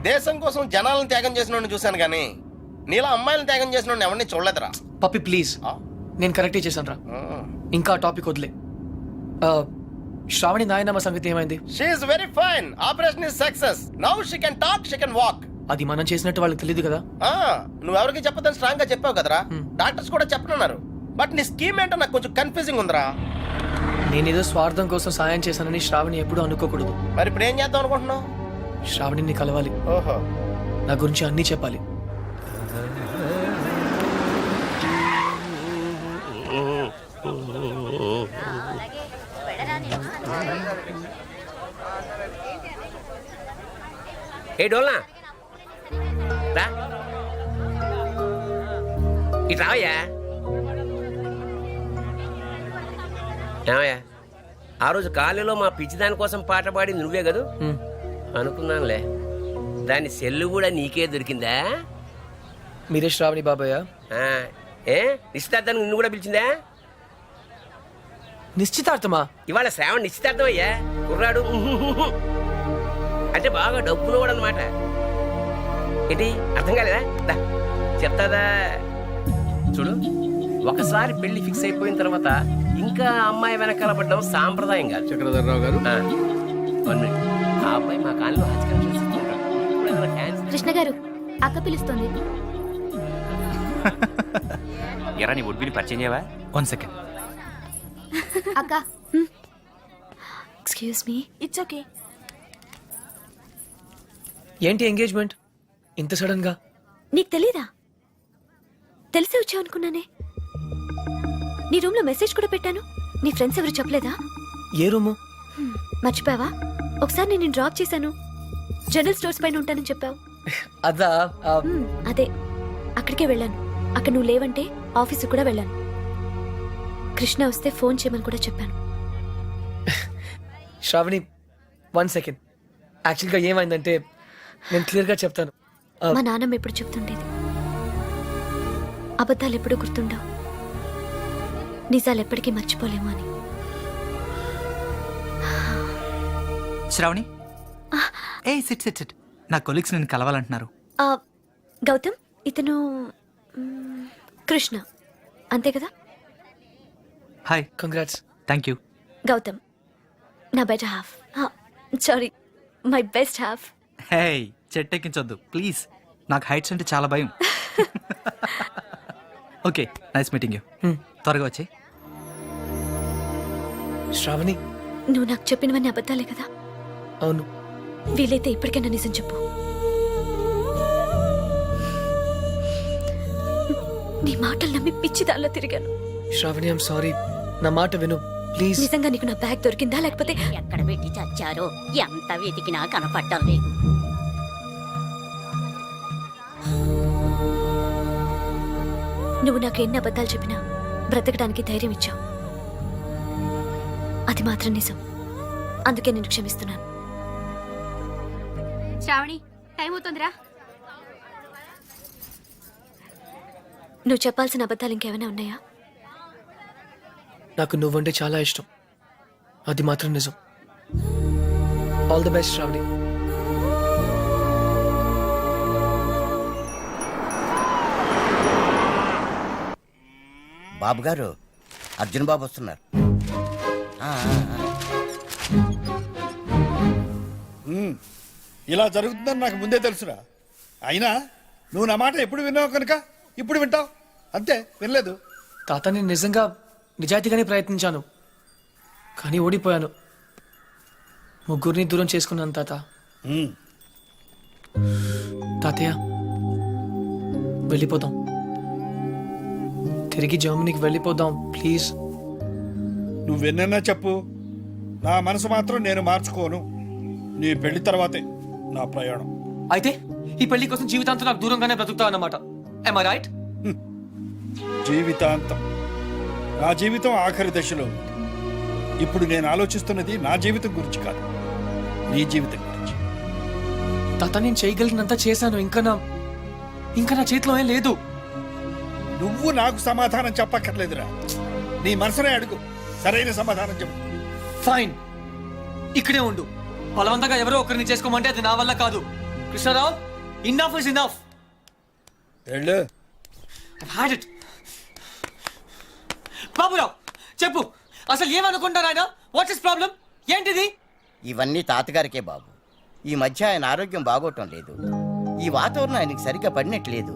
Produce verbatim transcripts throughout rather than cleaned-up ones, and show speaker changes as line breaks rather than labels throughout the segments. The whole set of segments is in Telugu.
దేశం కోసం జనాలను త్యాగం చేసిన చూశాను కానీ నీలా అమ్మాయిలను త్యాగం చేసిన ఎవరిని చూడలేదురా.
పప్పి ప్లీజ్, నేను కరెక్టే చేశాను రా. ఇంకా టాపిక్ వదిలే. శ్రావణి నాయనమ్మ సంగతి ఏమైంది?
She is very fine. Operation is success. Now she can talk, she can walk.
అది మనం చేసినట్టు వాళ్ళకి తెలియదు కదా.
నువ్వెవరికి చెప్పదని స్ట్రాంగ్ గా చెప్పావు కదరా. డాక్టర్స్ కూడా చెప్పనున్నారు. బట్ నీ స్కీమ్ ఏంటో నాకు కొంచెం కన్ఫ్యూజింగ్ ఉందిరా.
నేనేదో స్వార్థం కోసం సాయం చేశానని శ్రావణి ఎప్పుడూ అనుకోకూడదు.
మరి ఇప్పుడు ఏం చేద్దాం అనుకుంటున్నావు?
శ్రావణిని కలవాలి.
ఓహో,
నా గురించి అన్నీ చెప్పాలి.
ఏ డోల్నా రా, ఇటు రావయ్యా. ఏమయ్యా, ఆ రోజు కాలేజీలో మా పిచ్చి దానికోసం పాట పాడింది నువ్వే కదూ? అనుకున్నానులే. దాని సెల్లు కూడా నీకే దొరికిందా?
మీరే శ్రావణి బాబాయ్?
ఏ నిశ్చితార్థానికి నిన్ను కూడా పిలిచిందా?
నిశ్చితార్థమా?
ఇవాళ శ్రావణ నిశ్చితార్థం అయ్యా. కుర్రాడు అంటే బాగా డబ్బులు కూడా అనమాట. ఏంటి అర్థం కాలేదా? దా చెప్తాదా చూడు. ఒకసారి పెళ్లి ఫిక్స్ అయిపోయిన తర్వాత ఇంకా అమ్మాయి వెనకాల పడ్డం సాంప్రదాయం కాదు.
చక్రధర్రావు గారు,
ఆ అబ్బాయి మా కాలంలో
కృష్ణ గారు, అక్క పిలుస్తుంది.
ఎరా నీ ఉడ్బిని పరిచయం చేయవా?
One second.
అక్క, ఎక్స్క్యూజ్ మీ. It's okay.
ఏంటి ఎంగేజ్మెంట్ ఇంత సడన్ గా?
నీకు తెలీదా? తెలిసే వచ్చావు అనుకున్నానే. నీ రూమ్ లో మెసేజ్ కూడా పెట్టాను. నీ ఫ్రెండ్స్ ఎవరు చెప్పలేదా?
ఏ రూము?
మర్చిపోయావా? ఒకసారి నేను డ్రాప్ చేశాను. జనరల్ స్టోర్స్ పైన ఉంటానని చెప్పావు.
అదా?
అదే, అక్కడికే వెళ్ళాను. అక్కడ నువ్వు లేవంటే ఆఫీసు కూడా వెళ్ళాను. కృష్ణ వస్తే ఫోన్ చేయమని కూడా చెప్పాను.
Shravani, one second. యాక్చువల్గా ఏమైందంటే నేను క్లియర్గా చెప్తాను.
మా నాన్నమ్మ ఎప్పుడు చెప్తుండేది, అబద్ధాలు ఎప్పుడు గుర్తుండవు, నిజాలు ఎప్పటికీ మర్చిపోలేము అని.
శ్రావణి, ఏ సిట్ సిట్ సిట్. నా కొలీగ్స్ నేను కలవాలంటున్నారు.
ఆ, గౌతమ్, ఇతను మ్, కృష్ణ అంతే కదా?
Hi.
Congrats.
Thank you.
Gautam నా better half. Sorry, my best half.
Hey, చెట్టెక్కించొద్దు ప్లీజ్. నాకు హైట్స్ అంటే చాలా భయం. Okay, nice meeting you. త్వరగా వచ్చి.
శ్రావణి,
నువ్వు నాకు చెప్పినవన్నీ అబద్ధాలే కదా?
అవును.
వీలైతే ఇప్పటికైనా నిజం చెప్పు. నీ మాటలు నమ్మి పిచ్చి దానిలో తిరిగాను.
Shravani, I'm sorry. నా మాట విను ప్లీజ్.
నిజంగా నీకు నా బ్యాగ్ దొరికిందా లేకపోతే?
ఎక్కడ పెట్టి చచ్చారో ఎంత వెతికినా కనపడటం లేదు.
నువ్వు నాకు ఎన్ని అబద్ధాలు చెప్పినా బ్రతకడానికి ధైర్యం ఇచ్చావు. అది మాత్రం నిజం. అందుకే నేను క్షమిస్తున్నాను.
శ్రావణి, టైం అవుతుందిరా.
నువ్వు చెప్పాల్సిన అబద్ధాలు ఇంకేమైనా ఉన్నాయా?
నాకు నువ్వంటే చాలా ఇష్టం. అది మాత్రం నిజం. All the best Shravani.
Babu గారు, అర్జున్ బాబు వస్తున్నారు.
ఇలా జరుగుతుందని నాకు ముందే తెలుసురా. అయినా నువ్వు నా మాట ఎప్పుడు విన్నావు కనుక ఇప్పుడు వింటావు అంతే. వినలేదు.
తాత, నేను నిజంగా నిజాయితీగానే ప్రయత్నించాను, కానీ ఓడిపోయాను. ముగ్గురిని దూరం చేసుకున్నాను తాత. తాతయ్య, వెళ్ళిపోదాం. తిరిగి జర్మనీకి వెళ్ళిపోదాం ప్లీజ్.
నువ్వెన్నన్నా చెప్పు, నా మనసు మాత్రం నేను మార్చుకోను. నీ పెళ్లి తర్వాతే నా ప్రయాణం.
అయితే ఈ పెళ్లి కోసం జీవితాంతం నాకు దూరంగానే బ్రతుకుతావు అన్నమాట. Am I right?
జీవితాంతం. నా జీవితం ఆఖరి దశలో ఉంది. ఇప్పుడు నేను ఆలోచిస్తున్నది నా జీవితం గురించి కాదు, నీ జీవితం గురించి.
తాత, నేను చేయగలిగినంత చేశాను. ఇంకా నా ఇంకా నా చేతిలో ఏం లేదు.
నువ్వు నాకు సమాధానం చెప్పక్కర్లేదురా. నీ మనసునే అడుగు, సరైన సమాధానం చెప్పు.
ఫైన్, ఇక్కడే ఉండు. బలవంతంగా ఎవరో ఒకరిని చేసుకోమంటే అది నా వల్ల కాదు. Krishnarao enough is enough.
వెళ్ళు.
Had it. బాబురావు చెప్పు, అసలు ఏమనుకుంటారు ఆయన? What's is problem? ఏంటిది?
ఇవన్నీ తాతగారికే బాబు. ఈ మధ్య ఆయన ఆరోగ్యం బాగోటం లేదు. ఈ వాతావరణం ఆయనకి సరిగ్గా పడినట్లేదు.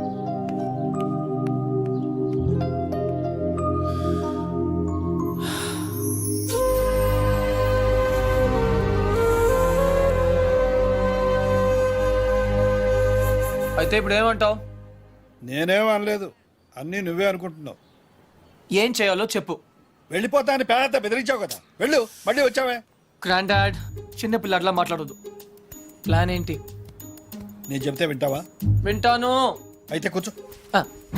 అయితే ఇప్పుడు ఏమంటావు?
నేనేం అనలేదు, అన్నీ నువ్వే అనుకుంటున్నావు.
ఏం చేయాలో చెప్పు.
వెళ్ళిపోతా అని పేద బెదిరించావు కదా, వెళ్ళు. మళ్ళీ వచ్చావే.
గ్రాండ్ డాడ్, చిన్న పిల్లట్లా మాట్లాడదు. ప్లాన్ ఏంటి?
నేను చెప్తే వింటావా?
వింటాను.
అయితే కూర్చో.
ఆ,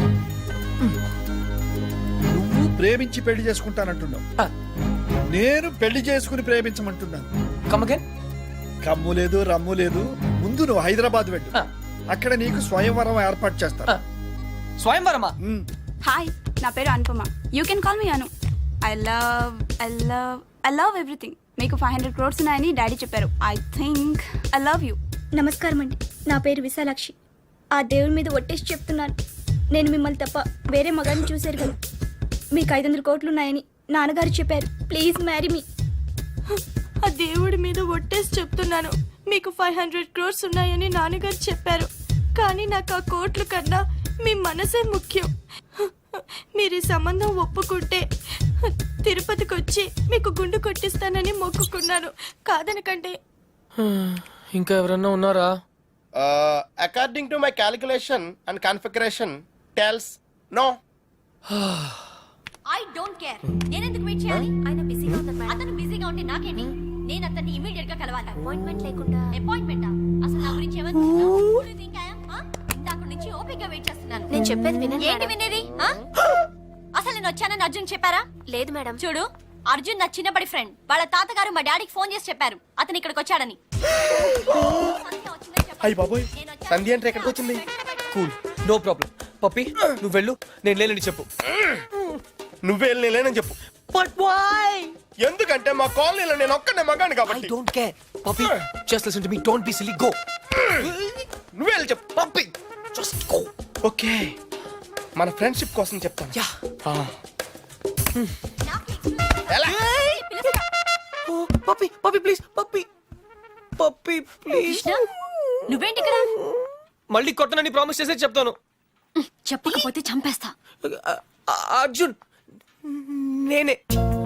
నువ్వు ప్రేమించి పెళ్లి చేసుకుంటానంటున్నావు,
ఆ,
నేను పెళ్లి చేసుకుని ప్రేమించమంటున్నాను.
come again?
కమ్ము లేదు, రమ్ము లేదు. ముందు నువ్వు హైదరాబాద్ వెళ్ళు.
ఆ,
అక్కడ నీకు స్వయంవరం ఏర్పాటు చేస్తాను.
ఆ. స్వయంవరమా?
ఉమ్.
హాయ్, నా పేరు Anupama. You can call me Anu. I love I love I love everything. మీకు ఫైవ్ హండ్రెడ్ క్రోర్స్ ఉన్నాయని డాడీ చెప్పారు. I think I love you.
నమస్కారం అండి, నా పేరు విశాలాక్షి. ఆ దేవుడి మీద ఒట్టేసి చెప్తున్నాను, నేను మిమ్మల్ని తప్ప వేరే మగాన్ని చూశారు కదా. మీకు ఐదు వందల కోట్లు ఉన్నాయని నాన్నగారు చెప్పారు. Please marry me.
ఆ దేవుడి మీద ఒట్టేసి చెప్తున్నాను, మీకు ఫైవ్ హండ్రెడ్ క్రోర్స్ ఉన్నాయని నాన్నగారు చెప్పారు. కానీ నాకు ఆ కోట్లు కన్నా మీ మనసే ముఖ్యం. మీరు ఈ సంబంధం ఒప్పుకుంటే తిరుపతికి వచ్చి మీకు గుండు కొట్టిస్తానని మొక్కుకున్నాను. కాదనకండి.
ఇంకా ఎవరన్నా ఉన్నారా?
According to my calculation and configuration tells no.
I don't care. నేను ఎందుకు వెయిట్ చేయాలి? ఆయన బిజీగా ఉన్నారు మేడం. అతను బిజీగా ఉంటే నాకేంటి? నేను అతన్ని ఇమిడియట్ గా కలవాలి. అపాయింట్మెంట్ లేకుండా. అపాయింట్మెంటా? అసలు నా గురించి ఏమనుకుంటున్నావు? Who do you think I am? ఆ? ఇందాక నుంచి ఓపికగా వెయిట్ చేస్తున్నాను.
నేను చెప్పేది వినండి.
ఏంటి వినేది? ఆ? అసలు నేను వచ్చానని అర్జున్ చెప్పారా?
లేదు మేడం.
చూడు, అర్జున్ నా చిన్నప్పటి ఫ్రెండ్. వాళ్ళ తాతగారు మా డాడీకి ఫోన్ చేసి చెప్పారు అతను ఇక్కడికి వచ్చాడని.
అయ్యి బాబోయ్, సంధ్య అంటే ఎక్కడికి వచ్చింది?
Cool, no problem. పప్పి నువ్వు వెళ్ళు, నేను లేనని చెప్పు.
నువ్వే వెళ్ళి లేనని చెప్పు.
But why?
ఎందుకంటే మా కాలనీలో నేను ఒక్కనే మగాను
ఐ
కాబట్టి.
Don't care. Pappi just listen to me, don't be silly, go.
నువ్వే వెళ్ళి చెప్పు.
Pappi just go.
ఓకే, మన ఫ్రెండ్షిప్ కోసం చెప్తాను.
యా.
ఎలా?
Pappi Pappi please, Pappi Pappi please.
నువ్వేంటి ఇక్కడ?
మళ్ళీ కొట్టనని ప్రామిస్ చేసే చెప్తాను.
చెప్పకపోతే చంపేస్తా.
అ- అ- అర్జున్ నేనే.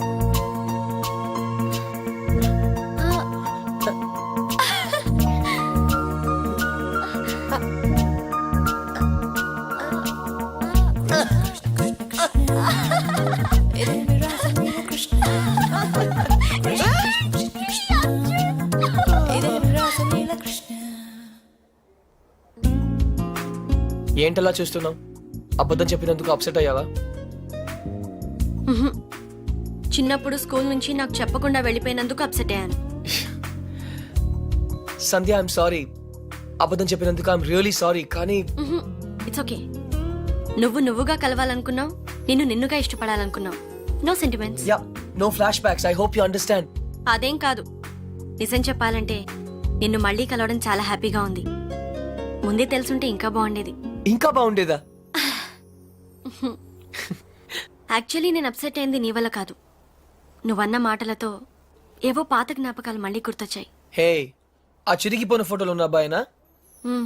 ఏంటలా చూస్తున్నావు? అబద్ధం చెప్పినందుకు అప్సెట్ అయ్యావా?
చిన్నప్పుడు స్కూల్ నుంచి నాకు చెప్పకుండా వెళ్ళిపోయినందుకు అప్సెట్ అయ్యాను.
Sandhya, I'm sorry. అబద్ధం చెప్పినందుకు ఐఎమ్ రియలీ సారీ. కానీ
ఇట్స్ ఓకే. నువ్వు నువ్వుగా కలవాలనుకున్నావు, నిన్ను నిన్నుగా ఇష్టపడాలనుకున్నావు. No sentiments.
Yeah, no flashbacks. I hope you understand.
అదేం కాదు, నిజం చెప్పాలంటే నిన్ను మళ్ళీ కలవడం చాలా హ్యాపీగా ఉంది. ముందే తెలుసుంటే ఇంకా బాగుండేది.
ఇంకా బాగుండేదా?
యాక్చువల్లీ నేను అప్సెట్ అయింది నీ వల్ల కాదు. నువ్వన్న మాటలతో ఏవో పాత జ్ఞాపకాలు మళ్ళీ గుర్తొచ్చాయి.
హే, ఆ చిరిగిపోయిన ఫోటోలు ఉన్న అబ్బాయినా?
మ్మ్.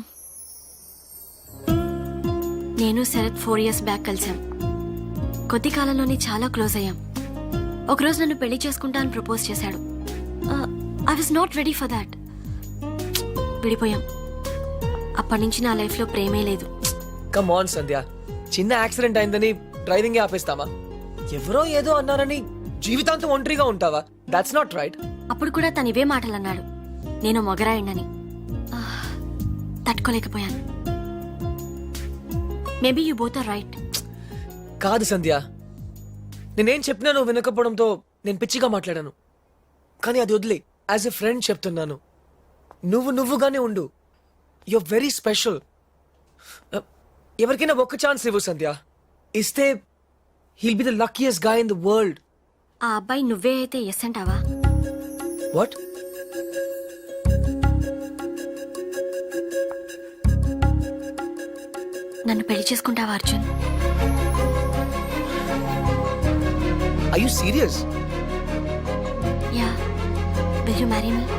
నేను శరత్ ఫోర్ ఇయర్స్ బ్యాక్ కలిసాం. కొద్ది కాలంలోనే చాలా క్లోజ్ అయ్యాం. ఒకరోజు నన్ను పెళ్లి చేసుకుంటా అని ప్రపోజ్ చేశాడు. I was not ready for that. విడిపోయాం. అప్పటి నుంచి నా లైఫ్లో ప్రేమే లేదు.
కమ్ ఆన్ సంధ్య, చిన్న యాక్సిడెంట్ అయిందని డ్రైవింగ్ ఆపేస్తామా? ఎవరో ఏదో అన్నారని జీవితాంతం ఒంటరిగా ఉంటావా? That's not right.
అప్పుడు కూడా తను ఇవే మాటలు అన్నాడు, నేను మొగరాయండని. ఆ, తట్టుకోలేకపోయాను. Maybe you both are right.
కాదు సంధ్య, నేనేం చెప్పినా నువ్వు వినకపోవడంతో నేను పిచ్చిగా మాట్లాడాను. కానీ అది వదిలే, యాజ్ ఎ ఫ్రెండ్ చెప్తున్నాను, నువ్వు నువ్వుగానే ఉండు. You're very special. ఎవరికైనా ఒక్క ఛాన్స్ ఇవ్వు సంధ్య. ఇస్తే he'll be the luckiest guy in the world.
ఆ అబ్బాయి నువ్వే అయితే ఎస్ అంటావా?
వాట్?
నన్ను పెళ్లి చేసుకుంటావా Arjun?
I you serious?
Yeah, will you marry me?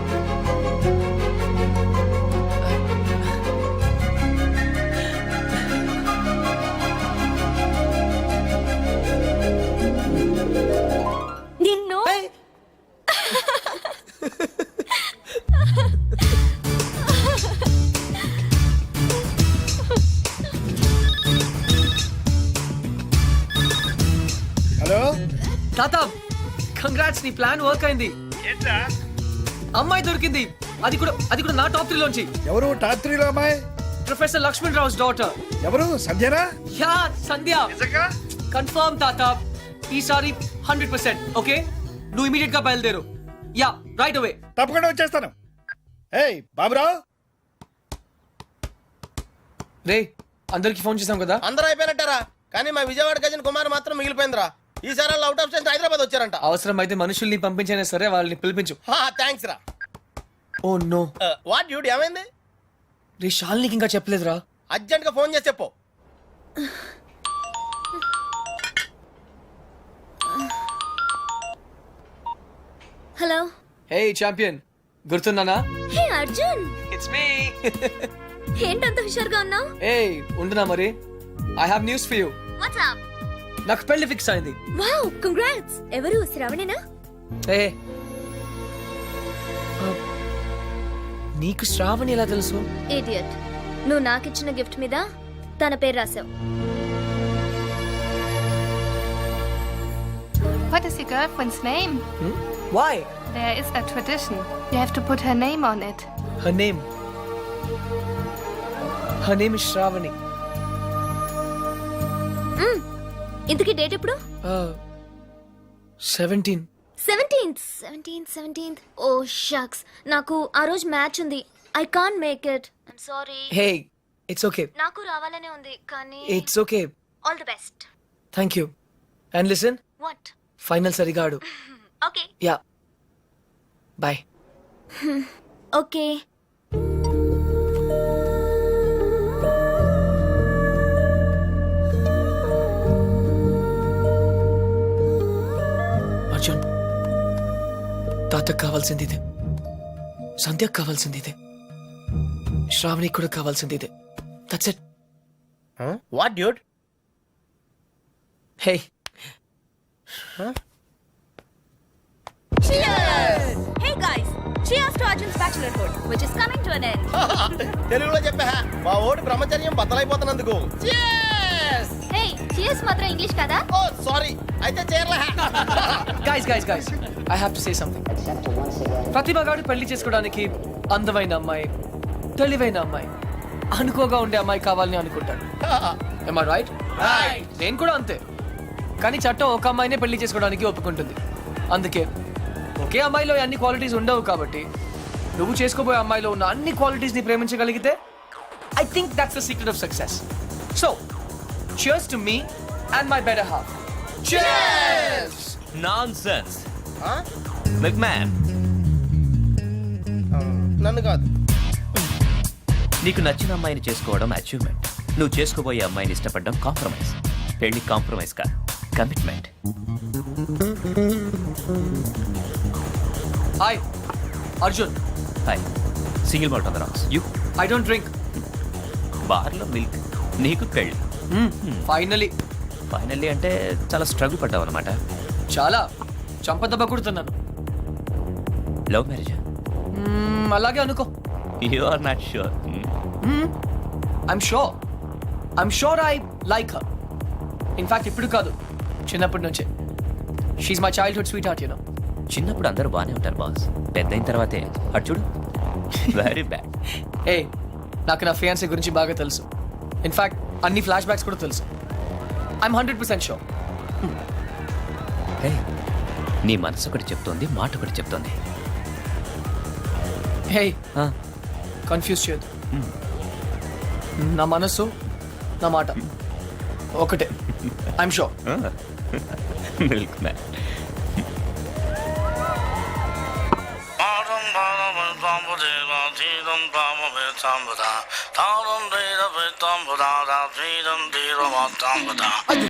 నిన్ను
హలో
తాత, కంగ్రాట్స్, నీ ప్లాన్ వర్క్ అయింది. అమ్మాయి దొరికింది, అది కూడా అది కూడా నా టాప్ త్రీలోంచి.
ఎవరు టాప్ త్రీలో అమ్మాయి?
Professor Lakshman Rao's daughter.
ఎవరు? సంధ్యనా?
యా, సంధ్య. కన్ఫర్మ్ తాత, ఈసారి హండ్రెడ్ పర్సెంట్. ఓకే, నువ్వు ఇమీడియట్ గా బయలుదేరు. Yeah, right away.
తప్పకుండా వచ్చేస్తాను. ఏయ్ బాబురావు,
రే, అందరికి ఫోన్ చేసాం కదా?
అందరూ అయిపోయినట్టారా, కానీ మా విజయవాడ గజన్ కుమార్ మాత్రం మిగిలిపోయిందిరా. ఈసారి వాళ్ళు అవుట్ ఆఫ్ స్టేషన్ హైదరాబాద్ వచ్చారంట.
అవసరం అయితే మనుషుల్ని పంపించైనా సరే వాళ్ళని పిలిపించు.
థ్యాంక్స్ రా.
Oh no.
వాట్ డ్యూడ్ ఏమైంది?
రే, శాలినికి ఇంకా చెప్పలేదురా.
అర్జెంట్ గా ఫోన్ చేసి చెప్పు.
హలో.
హే ఛాంపియన్, గుర్తున్నానా?
Hey Arjun,
it's me.
ఏంటంత హుషారుగా ఉన్నావు?
ఏ ఉండునా మరి, I have news for you.
What's up?
నాకు పెళ్లి ఫిక్స్ అయింది.
Wow, congrats. ఎవరు? శ్రావణేనా?
ఏ నీకు శ్రావణి ఎలా తెలుసు?
ఇడియట్, నువ్వు నాకిచ్చిన గిఫ్ట్ మీద తన పేరు రాసావు.
What is your girlfriend's name?
Why?
There is a tradition. You have to put her name on it.
Her name. Her name is Shravani.
ఇంతకీ డేట్ ఎప్పుడు?
Seventeen.
Seventeenth seventeenth seventeenth oh shucks, నాకు ఆ రోజు మ్యాచ్ ఉంది. I can't make it. I'm sorry.
Hey, it's okay.
నాకు రావాలనే ఉంది కానీ.
It's okay.
All the best.
Thank you. And listen,
what?
Final సరిగా ఆడు.
Okay.
Yeah, bye.
Okay.
Arjun, తాతకు కావాల్సింది ఇదే, సంధ్యకు కావాల్సింది ఇదే, శ్రావణి కూడా కావాల్సింది ఇదే. That's it.
What dude?
Hey,
Hey guys, cheers to Arjun's bachelorhood, which is coming to an end.
తెలుగులో చెప్పా, మా ఓడి బ్రహ్మచర్యం బద్దలైపోతున్నందుకు.
హే, చీర్స్ మాత్రం ఇంగ్లీష్ కదా?
ఓ సారీ, అయితే చేరలే.
Guys guys guys I have to say something. Pratibha గారు పెళ్లి చేసుకోవడానికి అందమైన అమ్మాయి, తెలివైన అమ్మాయి, అనుకోగా ఉండే అమ్మాయి కావాలని అనుకుంటాడు. Am I right? నేను కూడా అంతే. కానీ చట్టం ఒక అమ్మాయినే పెళ్లి చేసుకోవడానికి ఒప్పుకుంటుంది. అందుకే ఒకే అమ్మాయిలో అన్ని క్వాలిటీస్ ఉండవు కాబట్టి నువ్వు చేసుకోబోయే అమ్మాయిలో ఉన్న అన్ని క్వాలిటీస్ ని ప్రేమించగలిగితే I think that's the secret of success. So cheers to me and my better half. Cheers!
Nonsense. Milk man,
నన్ను కాదు.
నీకు నచ్చిన అమ్మాయిని చేసుకోవడం అచీవ్మెంట్. నువ్వు చేసుకోబోయే అమ్మాయిని ఇష్టపడడం కాంప్రమైజ్. పెళ్లి కాంప్రమైజ్ కాదు, commitment.
Hi Arjun.
Hi. Single malt on the rocks. You
I don't drink.
బార్లో మిల్క్, నీకు పెళ్లి.
ఫైనలీ.
ఫైనల్లీ అంటే చాలా స్ట్రగుల్ పడ్డావు అనమాట.
చాలా చంపదెబ్బ కొడుతున్నాను.
Love marriage?
మ్మ్, అలాగే అనుకో.
You are not sure?
I'm sure. I'm sure I like her. In fact ఇప్పుడు కాదు, చిన్నప్పటి నుంచే. She my childhood sweetheart, you know.
చిన్నప్పుడు అందరూ బాగానే ఉంటారు బాస్, పెద్ద అయిన తర్వాతే అటు చూడు, వెరీ బ్యాడ్.
ఏ, నాకు నా ఫియాన్సీ గురించి బాగా తెలుసు. ఇన్ఫాక్ట్ అన్ని ఫ్లాష్ బ్యాక్స్ కూడా తెలుసు. I'm hundred percent sure.
Hey, నీ మనసు ఒకటి చెప్తోంది, మాట ఒకటి చెప్తోంది.
హే, కన్ఫ్యూజ్ చేయదు. నా మనసు, నా మాట ఒకటే. I'm sure.
Milk man.
పాదం పాదం పాము దేవ తీరం పాము తాళం తీర పెత్తాంబుదా తీరం తీర మొత్తాంబుదా